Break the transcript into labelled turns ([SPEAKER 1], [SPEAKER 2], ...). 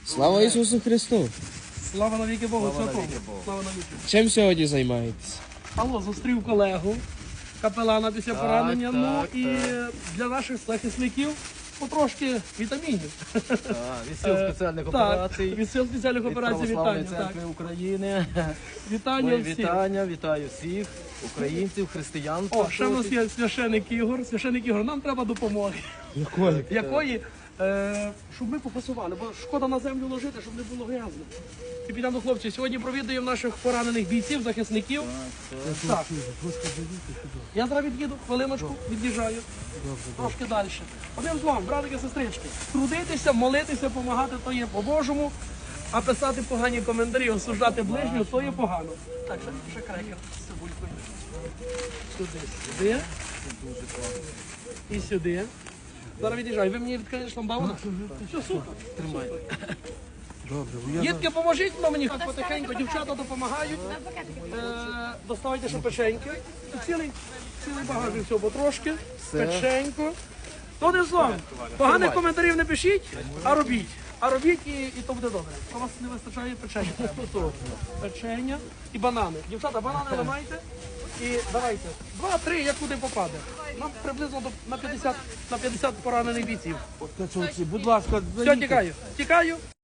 [SPEAKER 1] Слава Ісусу Христу!
[SPEAKER 2] Слава навіки Богу, святому. Слава навіки.
[SPEAKER 1] Чим сьогодні займаєтесь?
[SPEAKER 2] Алло, зустрів колегу, капелана після поранення. Ну і для наших захисників потрошки вітамінів.
[SPEAKER 3] Від сил спеціальних
[SPEAKER 2] Так,
[SPEAKER 3] операцій,
[SPEAKER 2] від сил спеціальних
[SPEAKER 3] від
[SPEAKER 2] операцій
[SPEAKER 3] Православної
[SPEAKER 2] вітання.
[SPEAKER 3] церкви України.
[SPEAKER 2] Вітання
[SPEAKER 3] Мої
[SPEAKER 2] всім.
[SPEAKER 3] вітання, вітаю всіх українців, християн.
[SPEAKER 2] О, ще в нас є священик Ігор. Священик Ігор, нам треба допомоги. Якої? Щоб ми попасували, бо шкода на землю ложити, щоб не було грязно. І підемо до хлопців. Сьогодні провідуємо наших поранених бійців, захисників. Так. Я зараз від'їду, хвилиночку, від'їжджаю. Трошки далі. Одним словом, братики, сестрички, трудитися, молитися, допомагати, то є по-божому, а писати погані коментарі, осуждати ближнього, то є погано. Так, ще крекер з цибулькою. Сюди. І сюди. Зараз від'їжджаю. Ви мені відкриєте шламбауна? Все, супер. Тримайте. Дітки, поможіть мені хоч потихеньку, дівчата допомагають. Доставайте ще печеньки. Цілий багажник всього потрошки. Печеньку. То не злом. Поганих коментарів не пишіть, а робіть. А робіть і то буде добре. У вас не вистачає печення. Печення і банани. Дівчата, банани ламайте. І давайте. 2-3, як куди попаде. Нам приблизно на 50 поранених бійців.
[SPEAKER 4] Будь ласка,
[SPEAKER 2] Все, тікаю. Тікаю.